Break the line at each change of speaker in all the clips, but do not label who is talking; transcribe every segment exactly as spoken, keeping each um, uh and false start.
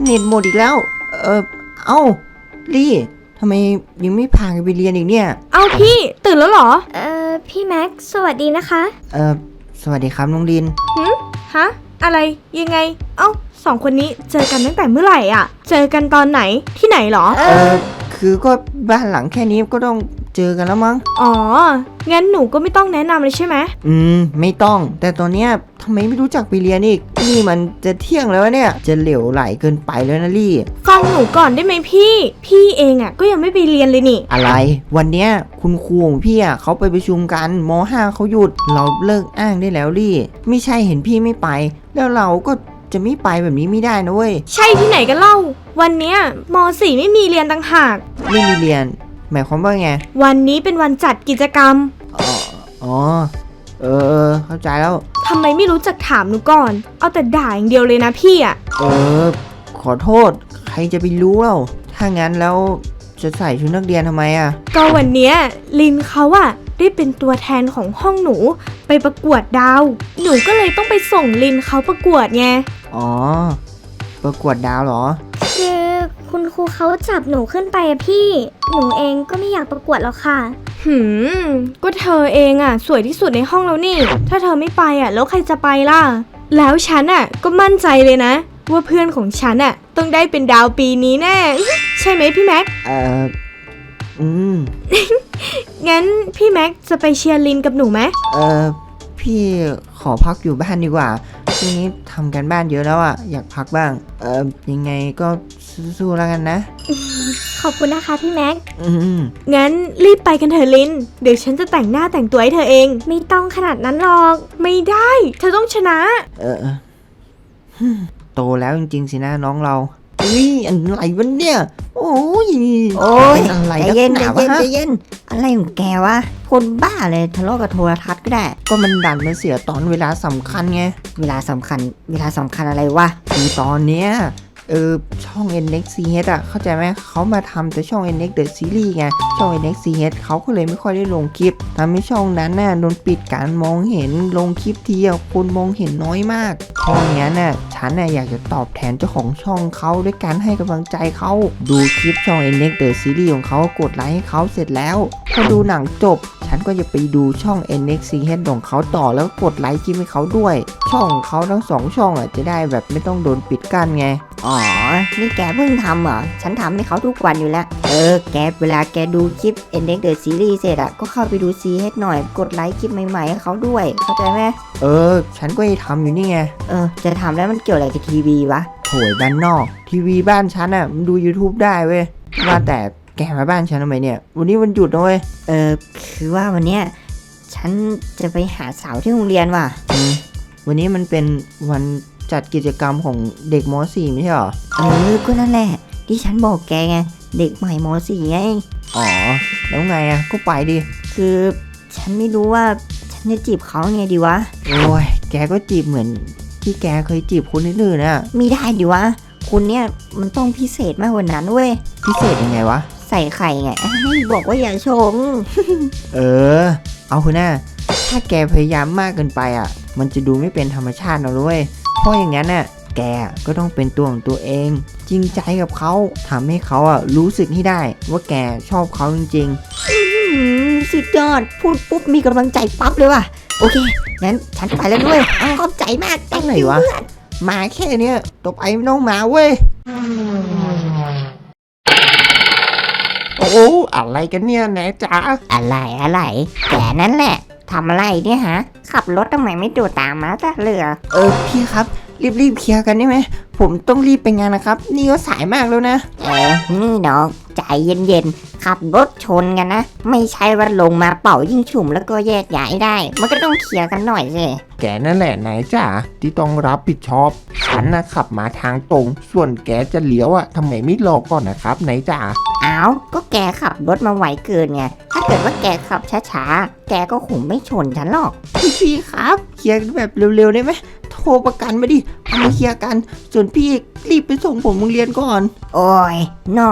เน็ตหมดอีกแล้วเออเอ้าลี่ทำไมยังไม่พากันไปเรียนอีกเนี่ย
เอ้าพี่ตื่นแล้วเหรอ
เอ่อพี่แม็กซ์สวัสดีนะคะ
เออสวัสดีครับน้องลิน
หืมฮะอะไรยังไงเอ้าสองคนนี้เจอกันตั้งแต่เมื่อไหร่อ่ะเจอกันตอนไหนที่ไหนหรอ
เออคือก็บ้านหลังแค่นี้ก็ต้องเจอกันแล้วมั้ง
อ๋องั้นหนูก็ไม่ต้องแนะนำเลยใช่ไหม
อืมไม่ต้องแต่ตอนเนี้ยทำไมไม่รู้จักไปเรียนอีกนี่มันจะเที่ยงแล้วเนี่ยจะเหลวไหลเกินไปแล้วนะลี่
ฟังหนูก่อนได้ไหมพี่พี่เองอ่ะก็ยังไม่ไปเรียนเลยนี่
อะไรวันเนี้ยคุณครูของพี่อ่ะเขาไปประชุมกันม.ห้าเขาหยุดเราเลิกอ้างได้แล้วลี่ไม่ใช่เห็นพี่ไม่ไปแล้วเราก็จะไม่ไปแบบนี้ไม่ได้นะเว้ย
ใช่ที่ไหนกันเล่าวันเนี้ยม.สี่ ไม่มีเรียนต่างหาก
ไม่มีเรียนหมายความว่าไง
วันนี้เป็นวันจัดกิจกรรม
อ๋ออ๋อเออเข้าใจแล้ว
ทำไมไม่รู้จักถามหนูก่อนเอาแต่ด่าอย่างเดียวเลยนะพี่อ่ะ
เออขอโทษใครจะไปรู้เล่าถ้างั้นแล้วจะใส่ชุดนักเรียนทำไมอ่ะ
ก็วันเนี้ยลินเขาอ่ะได้เป็นตัวแทนของห้องหนูไปประกวดดาวหนูก็เลยต้องไปส่งลินเขาประกวดไง
อ๋อประกวดดาวเหรอ
คือคุณครูเขาจับหนูขึ้นไปอะพี่หนูเองก็ไม่อยากประกวดหรอกค่ะ
หืมก็เธอเองอ่ะสวยที่สุดในห้องแล้วนี่ถ้าเธอไม่ไปอ่ะแล้วใครจะไปล่ะแล้วฉันอ่ะก็มั่นใจเลยนะว่าเพื่อนของฉันอ่ะต้องได้เป็นดาวปีนี้แน่ใช่ไหมพี่แม็ก
เอ่ออืม
งั้นพี่แม็กจะไปเชียร์ลินกับหนูไหม
เออพี่ขอพักอยู่บ้านดีกว่าช่วงนี้ทำกันบ้านเยอะแล้วอ่ะอยากพักบ้างเออยังไงก็สู้ๆแล้วกันนะ
ขอบคุณนะคะพี่แม็ก
อืม
งั้นรีบไปกันเถอะลินเดี๋ยวฉันจะแต่งหน้าแต่งตัวให้เธอเอง
ไม่ต้องขนาดนั้นหรอก
ไม่ได้เธอต้องชนะ
เออโตแล้วจริงๆสินะน้องเราอุ้ยอะไรวะเนี่ยโอ้ย
โอ้ย
อะไร
ใจเย็นใจเย็นใจเย็นอะไรของแกวะคนบ้าเลยทะเลาะกับโทรทัศน์ก็ได้
ก็มันดันมาเสียตอนเวลาสำคัญไง
เวลาสำคัญเวลาสำคัญอะไรวะ
คือตอนเนี้ยเออช่อง เอ็น เอ็กซ์ ซี เอช อ่ะเข้าใจไหมเขามาทำแต่ช่อง เอ็น เอ็กซ์ The Series ไงช่อง เอ็น เอ็กซ์ ซี เอช เขาก็เลยไม่ค่อยได้ลงคลิปทำให้ช่องนั้นน่ะโดนปิดการมองเห็นลงคลิปทีอ่ะคนมองเห็นน้อยมากเพราะงั้นน่ะฉันน่ะอยากจะตอบแทนเจ้าของช่องเขาด้วยการให้กำลังใจเขาดูคลิปช่อง เอ็น เอ็กซ์ The Series ของเขากดไลค์ให้เขาเสร็จแล้วพอดูหนังจบฉันก็จะไปดูช่อง เอ็น เอ็กซ์ ซี เอช ของเขาต่อแล้วกดไลค์คลิปให้เขาด้วยช่องเขาทั้งสองช่องอ่ะจะได้แบบไม่ต้องโดนปิดกั้นไง
อ๋อนี่แกเพิ่งทำเหรอฉันทำให้เขาทุกวันอยู่แล้วเออแกเวลาแกดูคลิป เอ็น เอ็กซ์ The Series เสร็จอะก็เข้าไปดู ซี เอช หน่อยกดไลค์คลิปใหม่ๆให้เขาด้วยเข้าใจไหม
เออฉันก็จะทำอยู่นี่ไง
เออจะทำแล้วมันเกี่ยวอะไรกับทีวีวะ
โถยบ้านนอกทีวีบ้านฉันอ่ะมันดู YouTube ได้เว้ยว่าแต่แกมาบ้านฉันทำไมเนี่ยวันนี้วันหยุดนะเว้ย
เออคือว่าวันเนี้ยฉันจะไปหาสาวที่โรงเรียนว่ะ
อืมวันนี้มันเป็นวันจัดกิจกรรมของเด็กม.สี่ ไม่ใช่หรอ
เออก็นั่นแหละที่ฉันบอกแกไงเด็กใหม่ม.สี่ ไง
อ๋อแล้วไงอ่ะก็ไปดิ
คือฉันไม่รู้ว่าฉันจะจีบเขาไงดีวะ
โอ้ยแกก็จีบเหมือนที่แกเคยจีบคนอื่นๆน่ะ
ไม่ได้ดิวะคุณเนี่ยมันต้องพิเศษมากกว่านั้นเว้ย
พิเศษยังไงวะ
ใส่ไข่ไงให้บอกว่าอย่าชง
เออเอาคุณน่ะถ้าแกพยายามมากเกินไปอ่ะมันจะดูไม่เป็นธรรมชาตินะด้วยเพราะอย่างนั้นน่ะแกก็ต้องเป็นตัวของตัวเองจริงใจกับเขาทำให้เขาอ่ะรู้สึกให้ได้ว่าแกชอบเขาจริง
ๆสุดยอดพูดปุ๊บมีกำลังใจปั๊บเลยว่ะโอเคงั้นฉันไปแล้วด้วยขอบใจมาก
ตั้งไหนวะมาแค่เนี้ยต่อไปไม่ต้องมาเว้ยโอ้อะไรกันเนี่ยแหนจ๋า
อะไรอะไรแกนั่นแหละทำอะไรเนี่ยฮะขับรถทำไมไม่ดูตามมาจ้ะเรือ
เออพี่ครับรีบๆเคลียร์กันได้ไหมผมต้องรีบไปงานนะครับนี่ก็สายมากแล้วนะ
เออนี่น้องใจเย็นๆขับรถชนกันนะไม่ใช่ว่าลงมาเป่ายิ่งฉุ่มแล้วก็แยกย้ายได้มันก็ต้องเคลียร์กันหน่อยสิ
แกนั่นแหละไหนจ๋าที่ต้องรับผิดชอบฉันนะขับมาทางตรงส่วนแกจะเลี้ยวอะทำไมไม่รอก่อนนะครับไหนจ๋า
อ้าวก็แกขับรถมาไวเกินไงถ้าเกิดว่าแกขับช้าๆแกก็คงไม่ชนฉันหรอก
พี่ครับเคลียร์แบบเร็วๆได้ไหมโทรประกันมาดิเอามาเคลียร์กันส่วนพี่รีบไปส่งผมโรงเรียนก่อน
โอ้ยน้องใจ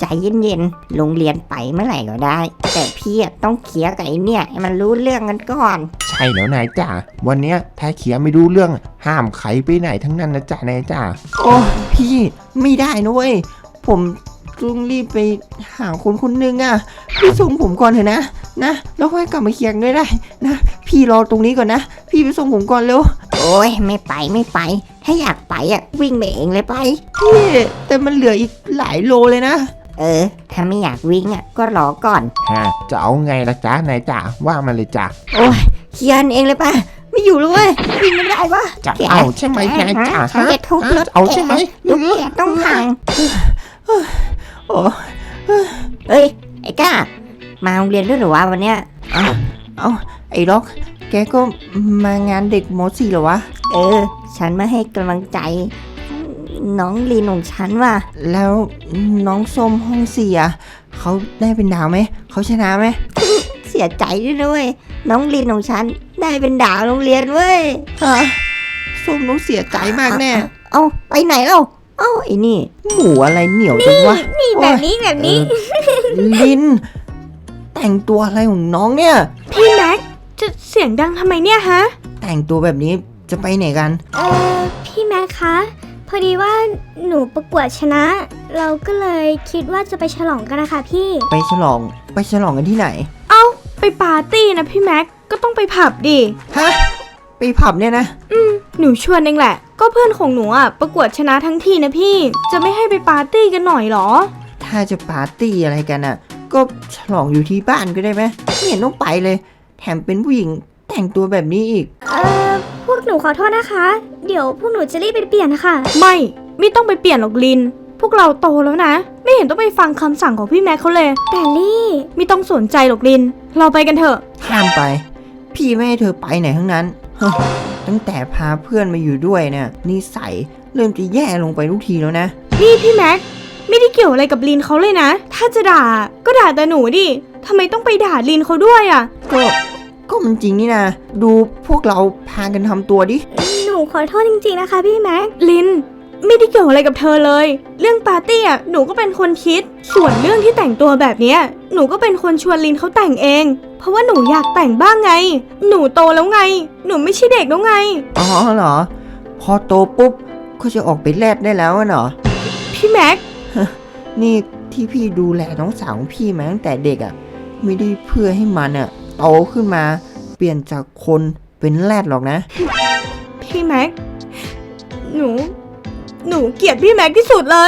ใจเย็นๆโรงเรียนไปเมื่อไหร่ก็ได้ แต่พี่อะต้องเคลียร์กับไอ้เนี่ยให้มันรู้เรื่องกันก่อน
ใช่แล้วนายจ๋าวันเนี้ยถ้าเขียไม่รู้เรื่องห้ามใครไปไหนทั้งนั้นนะจ๊ะนายจ๋า
โอ้พี่ไม่ได้นะเว้ยผมต้องรีบไปหาคนคนหนึงอ่ะพี่ส่งผมก่อนเถอะนะนะแล้วค่อยกลับมาเคลียร์กันด้วยได้นะพี่รอตรงนี้ก่อนนะพี่ไปส่งผมก่อนเร็ว
โอ้ยไม่ไปไม่ไป ถ้าอยากไปอ่ะวิ่งไปเองเลยไป
พี่แต่มันเหลืออีกหลายโลเลยนะ
เออ ถ้าไม่อยากวิ่งอ่ะก็รอก่อน
ฮะจะเอาไงล่ะจ๊ะนายจ๋าว่ามาเลยจ้ะ
โอ้ยเคลียร์เองเลยป่ะไม่อยู่เลยเว้ยวิ่งไม่ได้วะ
จะเอาใช่ไหมนายจ๋า
ฉัน
ฮะ
จะทุบรถ
เอาใช่ไหม
รถแกต้องพัง
โอ้
เอ้ยไอ้ก้ามาโรงเรียนด้วยเหรือวะวันเนี้ย
เอาเอาไอ้ล็อกแกก็มางานเด็กมสี่เหรอวะ
เออ ฉันมาให้กำลังใจ น้องลีนของฉันว่ะ
แล้วน้องส้มห้องสี่อ่ะเขาได้เป็นดาวไหมเขาชนะไหม
เสียใจด้วยนะเว้ยน้องลีนของฉันได้เป็นดาวโรงเรียนเว้ย
ฮะส้มต้องเสียใจมากแน่
เอาไปไหนเล่าเอ้าไอ้นี่
หมูอะไรเหนียวจังวะ
นี่แบบนี้แบบนี้
เออลิน แต่งตัวอะไรของน้องเนี่ย
พี่แม็กจะเสียงดังทำไมเนี่ยฮะ
แต่งตัวแบบนี้จะไปไหนกัน
เออพี่แม็กคะ พอดีว่าหนูประกวดชนะ เราก็เลยคิดว่าจะไปฉลองกันนะคะพี่
ไปฉลองไปฉลองกันที่ไหน
เอ้าไปปาร์ตี้นะพี่แม็กก็ต้องไปผับดิ
ฮะไปผับเนี่ยนะ
หนูชวนเองแหละ ก็เพื่อนของหนูอ่ะประกวดชนะทั้งทีนะพี่จะไม่ให้ไปปาร์ตี้กันหน่อยเหรอ
ถ้าจะปาร์ตี้อะไรกันอ่ะ ก็ฉลองอยู่ที่บ้านก็ได้ไหมไม่เห็นต้องไปเลย แถมเป็นผู้หญิงแต่งตัวแบบนี้อีก
เออพวกหนูขอโทษนะคะ เดี๋ยวพวกหนูจะรีบไปเปลี่ยนนะคะ
ไม่ไม่ต้องไปเปลี่ยนหรอกลิน พวกเราโตแล้วนะ ไม่เห็นต้องไปฟังคำสั่งของพี่แม็กเขาเลย
แต่ลี่
ไม่ต้องสนใจหรอกลิน เราไปกันเถอะ
ห้ามไป พี่ไม่ให้เธอไปไหนทั้งนั้นเฮ้ยตั้งแต่พาเพื่อนมาอยู่ด้วยเนี่ยนิสัยเริ่มจะแย่ลงไปทุกทีแล้วนะ
นี่พี่แม็กไม่ได้เกี่ยวอะไรกับลินเขาเลยนะ ถ้าจะด่าก็ด่าแต่หนูดิทำไมต้องไปด่าลินเขาด้วยอ่ะ
ก็ก็มันจริงนี่นะ ดูพวกเราพากันทำตัวดิ
หนูขอโทษจริงๆนะคะพี่แม็ก
ลินไม่ได้เกี่ยวอะไรกับเธอเลย เรื่องปาร์ตี้อ่ะหนูก็เป็นคนคิด ส่วนเรื่องที่แต่งตัวแบบเนี้ยหนูก็เป็นคนชวนลินเขาแต่งเอง เพราะว่าหนูอยากแต่งบ้างไง หนูโตแล้วไง หนูไม่ใช่เด็กแล้วไง
อ๋อเหรอ พอโตปุ๊บก็จะออกไปแลดได้แล้วอะเหรอ
พี่แม็ก
นี่ที่พี่ดูแลน้องสาวของพี่มาตั้งแต่เด็กอะ่ะไม่ได้เพื่อให้มันอะ่ะโตขึ้นมาเปลี่ยนจากคนเป็นแรดหรอกนะ
พี่แม็ก หนู หนูเกลียดพี่แม็กที่สุดเลย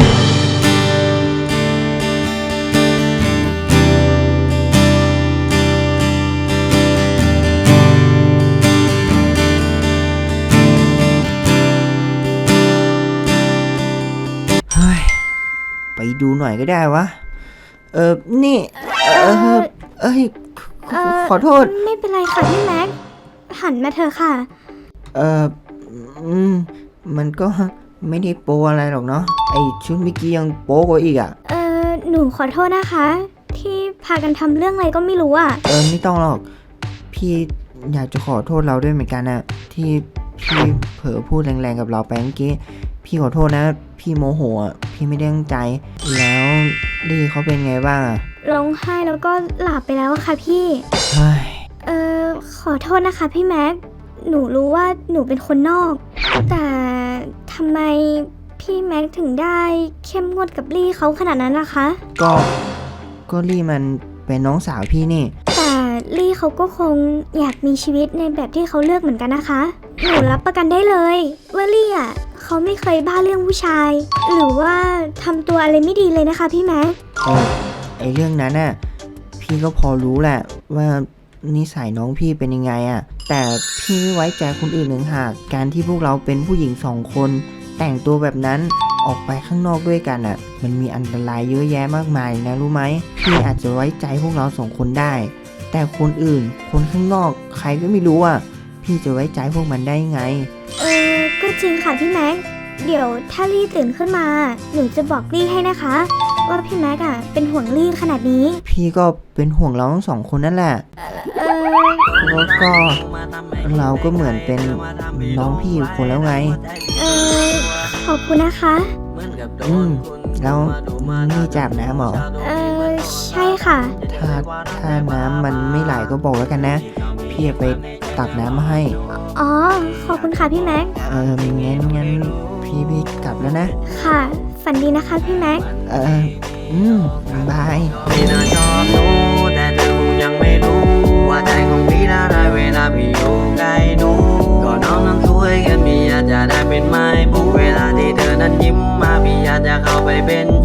เฮ้ยไปดูหน่อยก็ได้วะ เออนี่ เออเอ้ยขอขอโทษ
ไม่เป็นไรค่ะพี่แม็ก หันมาเถอะค่ะ
เอออืมมันก็ไม่ได้โปอะไรหรอกเนาะไอชุดเมื่อกี้ยังโป๊กว่าอีกอ่ะ
เออหนูขอโทษนะคะ ที่พากันทำเรื่องอะไรก็ไม่รู้อ่ะ
เออไม่ต้องหรอก พี่อยากจะขอโทษเราด้วยเหมือนกันนะที่พี่เผลอพูดแรงๆกับเราไปเมื่อกี้พี่ขอโทษนะ พี่โมโหอ่ะพี่ไม่ได้ตั้งใจ แล้วลี่เขาเป็นไงบ้างอ่ะ
ร้องไห้แล้วก็หลับไปแล้วอะค่ะพี่
เฮ้ย
เออขอโทษนะคะพี่แม็ก หนูรู้ว่าหนูเป็นคนนอก แต่ทำไมพี่แม็กถึงได้เข้มงวดกับลี่เขาขนาดนั้นล่ะคะ
ก็ก็ลี่มันเป็นน้องสาวพี่นี่
แต่ลี่เขาก็คงอยากมีชีวิตในแบบที่เขาเลือกเหมือนกันนะคะ หนูรับประกันได้เลยว่าลี่อ่ะเขาไม่เคยบ้าเรื่องผู้ชาย หรือว่าทำตัวอะไรไม่ดีเลยนะคะพี่แม็ก
เออไอเรื่องนั้นน่ะพี่ก็พอรู้แหละว่านิสัยน้องพี่เป็นยังไงอ่ะแต่พี่ไม่ไว้ใจคนอื่นหนึ่งหากการที่พวกเราเป็นผู้หญิงสองคน แต่งตัวแบบนั้นออกไปข้างนอกด้วยกันอ่ะมันมีอันตรายเยอะแยะมากมายนะรู้ไหมพี่อาจจะไว้ใจพวกเราสองคนได้ แต่คนอื่นคนข้างนอกใครก็ไม่รู้อ่ะพี่จะไว้ใจพวกมันได้ไง
เออก็จริงค่ะพี่แม็ก เดี๋ยวถ้าลี่ตื่นขึ้นมา หนูจะบอกลี่ให้นะคะ ว่าพี่แม็กอ่ะเป็นห่วงลี่ขนาดนี้
พี่ก็เป็นห่วงเราทั้งสองคนนั่นแหละ
เออ
แล้วก็เราก็เหมือนเป็นน้องพี่อีกคนแล้วไง
เออขอบคุณนะคะ
อืมแล้วนี่จับน้ำเหรอ
เออใช่ค่ะ
ถ้าถ้าน้ำมันไม่ไหลก็บอกแล้วกันนะ พี่จะไปตักน้ำมาให้
อ๋อ ขอบคุณค่ะพี่แม็ก
เอองั้นงั้นพี่พี่กลับแล้วนะ
ค่ะ ฝันดีนะคะพี่แม็ก
เอออืมบาย
พี่น่าชอบหนูแต่เธอคงยังไม่รู้ ว่าใจของพี่น่าได้เวลาพี่อยู่ใกล้หนูก็น้องนั้นสวยกันพี่อยากจะได้เป็นไม้บุเวลาที่เธอนั้นยิ้มมาพี่อยากจะเข้าไปเป็น